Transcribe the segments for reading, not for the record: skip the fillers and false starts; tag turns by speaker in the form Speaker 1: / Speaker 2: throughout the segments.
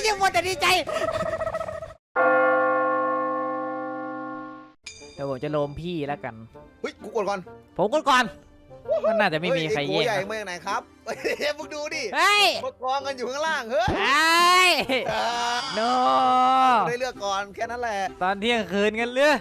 Speaker 1: ยังมัวแต่ดีใจเดี๋ยวผมจะโลมพี่แล้วกัน
Speaker 2: เฮ้ยกูกดก่อน
Speaker 1: ผมกดก่อนมันน่าจะไม่มีใครแย่ง
Speaker 2: ใหญ่มาจากไหนครับมึงดูดิ
Speaker 1: เฮ้ย
Speaker 2: มากองกันอยู่ข้างล่างเฮ้
Speaker 1: ยโน
Speaker 2: ได้เลือกก่อนแค่นั้นแหละ
Speaker 1: ตอนเที่ยงคืนกันเลย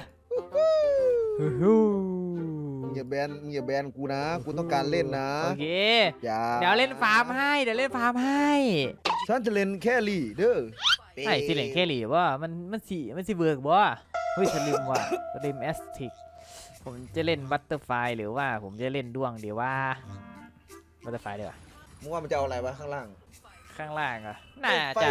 Speaker 2: อย่าแบนกูนะกูต้องการเล่นนะ
Speaker 1: โอเค
Speaker 2: อย่า
Speaker 1: เดี๋ยวเล่นฟาร์มให้
Speaker 2: ฉันจะเล่นแค่ลีเด้อ
Speaker 1: ไอ้สิเล่นแค่ลีว่ามันสิเบิกบ่เฮ้ยสลิมว่ะสลิมแอสติกผมจะเล่นบัตเตอร์ไฟหรือว่าผมจะเล่นด้วงเดี๋ยวว่าบัตเตอร์ไฟเดี๋ยว
Speaker 2: มึงว่ามันจะเอาอะไรวะข้างล่าง
Speaker 1: อ่ะน่าจะ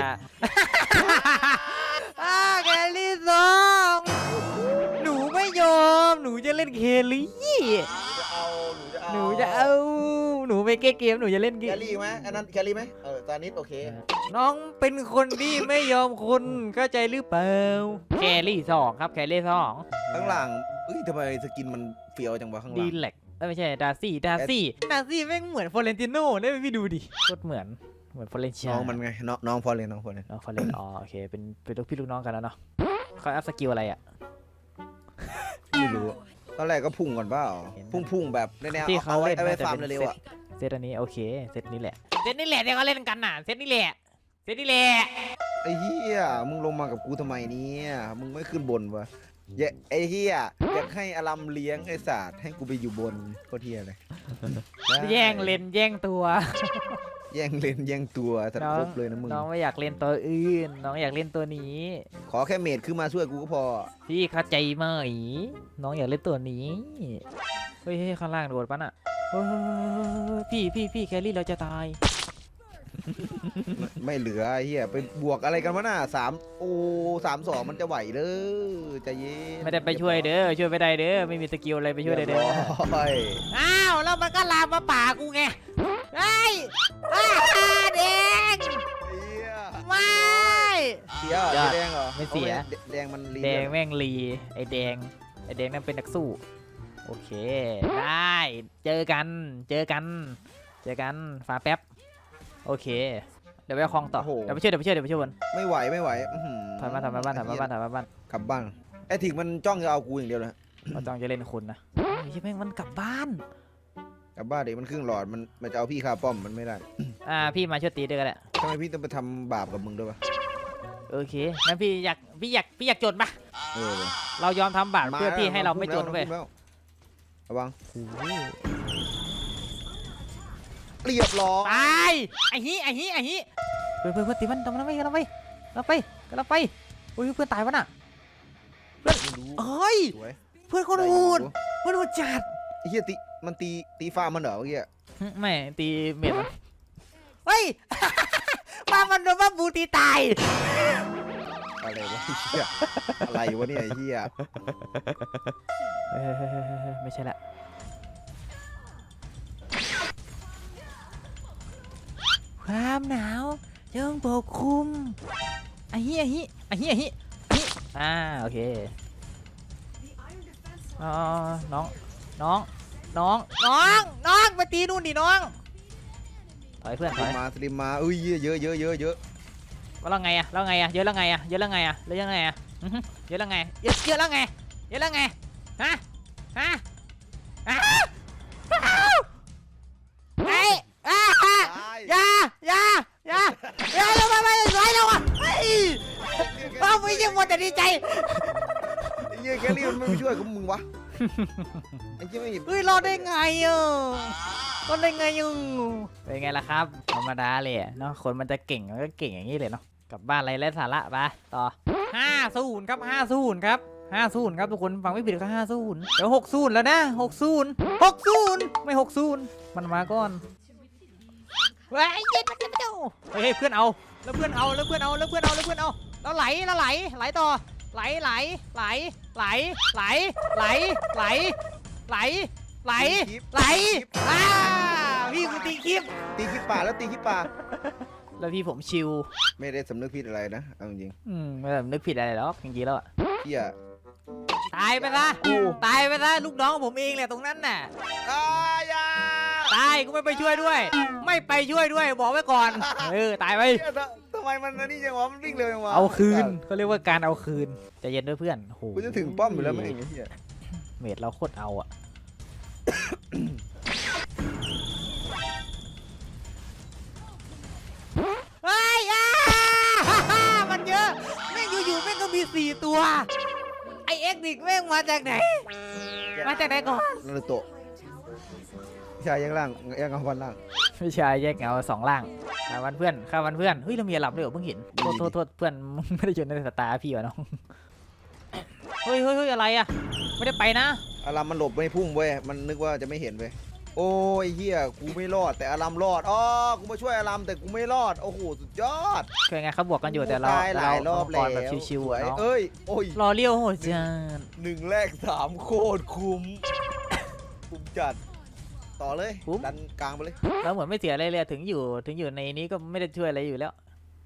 Speaker 1: แคลรี่สองหนูไม่ยอมหนูจะเล่นเคลลี่หนูจะเอาหนูไปเกมหนูจะเล่น
Speaker 2: แคลรี่ไหมอันนั้นแคลรี่ไหมตอนนี้โอเค
Speaker 1: น้องเป็นคนที่ไม่ยอมคุณเข้าใจหรือเปล่าแคลรี่สองครับแคลรี่สอง
Speaker 2: ข้างล่างทำไมสกินมันเฟี้ยวจังวะข้างล่าง
Speaker 1: ดีแลกไม่ใช่ดาร์ซี่แม่งเหมือนฟอเรนติโน่ได้ไหมพี่ดูดิโคตรเหมือนฟอเรนเชีย
Speaker 2: น้องมันไงน้องฟอเรน
Speaker 1: อ๋อโอเคเป็นลูกพี่ลูกน้องกันแล้วเนาะเขาอัพสกิลอะไรอ่ะ
Speaker 2: ไม่รู้ตอนแรกก็พุ่งก่อนเปล่าพุ่งแบบในแนวที่เขาเล่นไปฟาร์มเร็วๆอ่ะ
Speaker 1: เซตอันนี้โอเคเซตนี้แหละที่เขาเล่นกันน่ะเซตนี้แหละ
Speaker 2: ไอ้เหี้ยมึงลงมากับกูทำไมเนี่ยมึงไม่ขึ้นบนวะไอ้เหี้ยอยากให้อลัมเลี้ยงไอ้ศาสตร์ให้กูไปอยู่บนโคตรเหี้ยเลย
Speaker 1: แย่งเลนแย่งตัว
Speaker 2: แย่งเลนแย่งตัวสัตว์ครบเลยนะมึง
Speaker 1: น้องไม่อยากเล่นตัวอื่นน้องอยากเล่นตัวนี้
Speaker 2: ขอแค่เมดขึ้นมาช่วยกูก็พอ
Speaker 1: พี่เข้าใจไหมน้องอยากเล่นตัวนี้เฮ้ยข้างล่างโดดปะน่ะพี่แคลรี่เราจะตาย
Speaker 2: ไม่เหลือไอ้เหี้ยไปบวกอะไรกันวะน่ะ3-2มันจะไหวเด้อใจเย็น
Speaker 1: ไม่ได้ไปช่วยเด้อช่วยไม่ได้เด้อไม่มีสกิลอะไรไปช่วยได้เด้ออ้าวแล้วมันก็ลามมาป่ากูไงเฮ้ยแดงไม่
Speaker 2: เสียแดงเหรอ
Speaker 1: ไม่เสีย
Speaker 2: แดงมัน
Speaker 1: แดงแม่งรีไอแดงนั่นเป็นนักสู้โอเคได้เจอกันฟ้าแป๊บโอเคเดี๋ยวไปคลองต่อเดี๋ยวไปช่วยบน
Speaker 2: ไม่ไหว
Speaker 1: ถอยมาบ้านกลั
Speaker 2: บบ้านไอ้ถิงมันจ้องจะเอากูอย่างเดียวเลย
Speaker 1: เขาจ้องจะเล่นคุณนะใช่ไหมมันกลับบ้าน
Speaker 2: เด็กมันครึ่งหลอดมันจะเอาพี่คาป้อมมันไม่ได้
Speaker 1: พี่มาช่วยตีด้วยกันแหละ
Speaker 2: ทำไมพี่ต้องไปทำบาปกับมึงด้วยวะ
Speaker 1: โอเคงั้นพี่อยากจนปะเรายอมทำบาปเพื่อที่ให้เราไม่จนเว้ย
Speaker 2: ระวังเรียบร้อย
Speaker 1: ตายไอ้ฮีเพื่อนตีมันทำมันไปเราไปโอ้ยเพื่อนตายวะน่ะเพื่อนเฮ้ยเพื่อนคนโหดจัด
Speaker 2: ไอ้เหี้ยมันตีฟ้ามันเหรอเมื่อกี้
Speaker 1: ไม่ตีเม็ดมันเฮ้ยมันโดนบูตีตาย
Speaker 2: อะไรวะเหี้ยอะไรวะเนี่ยไอ้เหี้ย
Speaker 1: ไม่ใช่ละความหนาวยังปกคลุมไอ้ฮีโอเคน้องไปตีนู่นดิน้องถอยเพื่อนถอย
Speaker 2: สลิมมาเยอะ
Speaker 1: แล้วไงเยอะแล้วไงเยอะแล้วไงฮะเเราไม่ยังมัวแต่ดีใจ
Speaker 2: แคลรี่มันไม่ช่วยกับมึงวะไอ้เจ้าไม่
Speaker 1: รอดได้ไงเป็นไงล่ะครับธรรมดาเลยเนาะคนมันจะเก่งมันก็เก่งอย่างนี้เลยเนาะกลับบ้านอะไรไร้สาระไปต่อ50ครับ50ครับทุกคนฟังไม่ผิดก็50เดี๋ยว60แล้วนะ60ไม่60มันมาก่อนเฮ้ยเย็นมันจะเจ้าเฮ้ยเพื่อนเอาแล้วไหลต่อไหลพี่กูตีคลิป
Speaker 2: ป่าแล้ว
Speaker 1: แล้วพี่ผมชิว
Speaker 2: ไม่ได้สำนึกผิดอะไรนะเอาจริง
Speaker 1: ไม่ได้สำนึกผิดอะไรหรอกจริงๆแล้ว
Speaker 2: พี่อะ
Speaker 1: ตายไปซะลูกน้องผมเองแหละตรงนั้นน่ะตายกูไม่ไปช่วยด้วยบอกไว้ก่อนตายไป
Speaker 2: ทำไมไมมันอันนี่จังวะมันวิ่งเร็วจังวะ
Speaker 1: เอาคืนเขาเรียกว่าการเอาคืนใจเย็นด้วยเพื่อนโอ้โห
Speaker 2: กูจะถึงป้อมอยู่แล้วแม่งไอ้เหี้ย
Speaker 1: เมดเราโคตรเอาอะเฮ้ยมันเยอะแม่งอยู่ๆแม่งก็มี4ตัวไอเอ็กซ์ดิกแม่งมาจากไหนมาจากไหนก่อน
Speaker 2: นารูโตะชายยังล่างยังเอาวันล่าง
Speaker 1: ไม่ใช่แยกเงา2 ล่างข้าวันเพื่อนเฮ้ยเรามีหลับด้วยเหรอเพิ่งเห็นโทษเพื่อนไม่ได้อยู่ในสตาร์พี่วะน้องเฮ้ยอะไรอะไม่ได้ไปนะ
Speaker 2: อารามมันหลบไม่พุ่งเว้ยมันนึกว่าจะไม่เห็นเว้ยโอ้ยเฮียกูไม่รอดแต่อารามรอดอ๋อกูมาช่วยอารามแต่กูไม่รอดโอ้โหสุดยอด
Speaker 1: คือไงเขาบวกกันอยู่แต่เรา
Speaker 2: ตายหลายรอบ
Speaker 1: ก่
Speaker 2: แล้
Speaker 1: อ
Speaker 2: วน
Speaker 1: แบบชิว
Speaker 2: สวย
Speaker 1: ๆเนาะ
Speaker 2: เอ้ยโอ้ย
Speaker 1: รอเลี้ยวโหดจัด
Speaker 2: 1 แรก 3โคตรคุ้มคุ้มจัดต่อเลยดันกลางไปเลย
Speaker 1: เราเหมือนไม่เสียอะไรเลยถึงอยู่ในนี้ก็ไม่ได้ช่วยอะไรอยู่แล้ว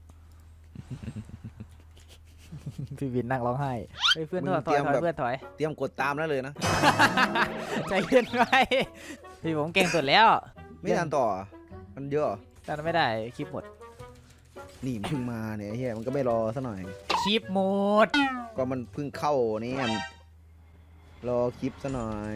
Speaker 1: พี่วินนั่งร้องไห้เฮ้ยเพื่อนถอยเพื่อนถอย
Speaker 2: เตรียมกดตามแล้วเลยนะ
Speaker 1: ใจเย็นไว้พี่ผมเก่งสุดแล้ว
Speaker 2: ไม่ทันต่อมันเยอะเหรอ
Speaker 1: แต่ไม่ได้คลิปหมด
Speaker 2: นี่มันเพิ่งมาเนี่ยเฮียมันก็ไม่รอซะหน่อย
Speaker 1: คลิปหมด
Speaker 2: ก็มันเพิ่งเข้านี่รอคลิปซะหน่อย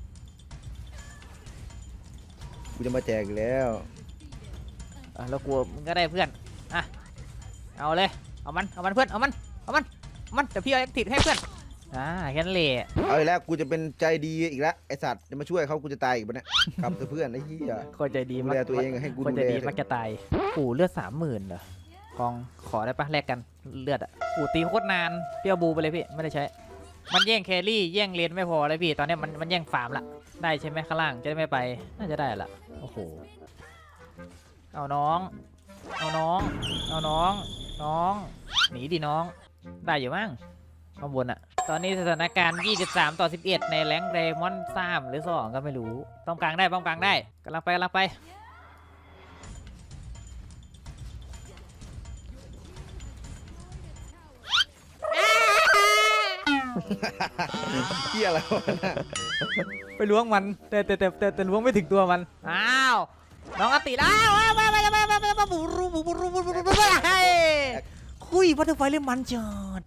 Speaker 2: กูจะมาแจกอีกแล้ว
Speaker 1: เรากลัวมึงก็ได้เพื่อนอ่ะเอาเลยเอามันเพื่อนเอามันเดี๋ยวพี่เอาแอคทีฟให้เพื่อนแค่นั้นเลย
Speaker 2: เอาอีกแล้วกูจะเป็นใจดีอีกแล้วไอสัตว์จะมาช่วยเขากูจะตายอีกปะเนี่ยครับเพื่อนไอ้เหี้ย
Speaker 1: คนใจดี
Speaker 2: ดูแลตัวเองให้กู
Speaker 1: คนใจดี
Speaker 2: ดูแล
Speaker 1: มักจะตายปู่เลือด30,000เหรอกองขอได้ปะแลกกันเลือดอ่ะปู่ตีโคตรนานเปรี้ยวบูไปเลยพี่ไม่ได้ใช้มันแย่งแครี่แย่งเลนไม่พอเลยพี่ตอนนี้มันแย่งฟาร์มละได้ใช่ไหมข้างล่างจะได้ไม่ไปน่าจะได้ละโอ้โหเอาน้องหนีดิน้องได้อยู่มั้งข้างบนอะตอนนี้สถานการณ์23-11ในแรงค์เดมอน3หรือ2ก็ไม่รู้ป้อมกลางได้กำลังไป
Speaker 2: เหี้ยอะไรวะน่ะ
Speaker 1: ไปล้วงมันแต่ล้วงไม่ถึงตัวมันอ้าวน้องอติแล้วมาบูรูคุยบัตเตอร์ไฟเล่นมันจัด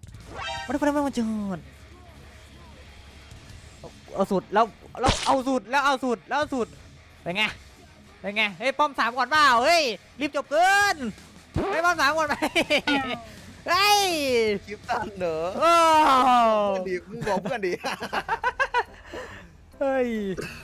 Speaker 1: เอาสุดแล้วเอาสุดเป็นไงเฮ้ยป้อม3ก่อนเปล่าเฮ้ยรีบจบเกินเฮ้ยป้อม3ก่อนไปเฮ้ย
Speaker 2: คลิปตันเหรอ
Speaker 1: โอ้
Speaker 2: เพื่อนดิมึงบอกเพื่อนดิ
Speaker 1: เฮ้ย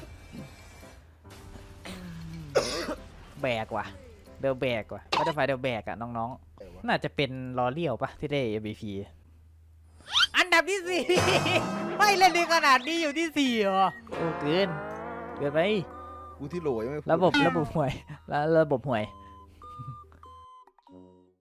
Speaker 1: แบกว่ะเดลแบกว่ะบัตเตอร์ไฟเดลแบกอะน้องๆน่าจะเป็นลอเลียวปะที่ได้ MVP อันดับที่ 4 ไม่เล่นดีขนาดนี้อยู่ที่4เหรอโอ้เกินไป
Speaker 2: กูที่โหลยังไม่พูด
Speaker 1: ระบบห่วยแล้วระบบห่วย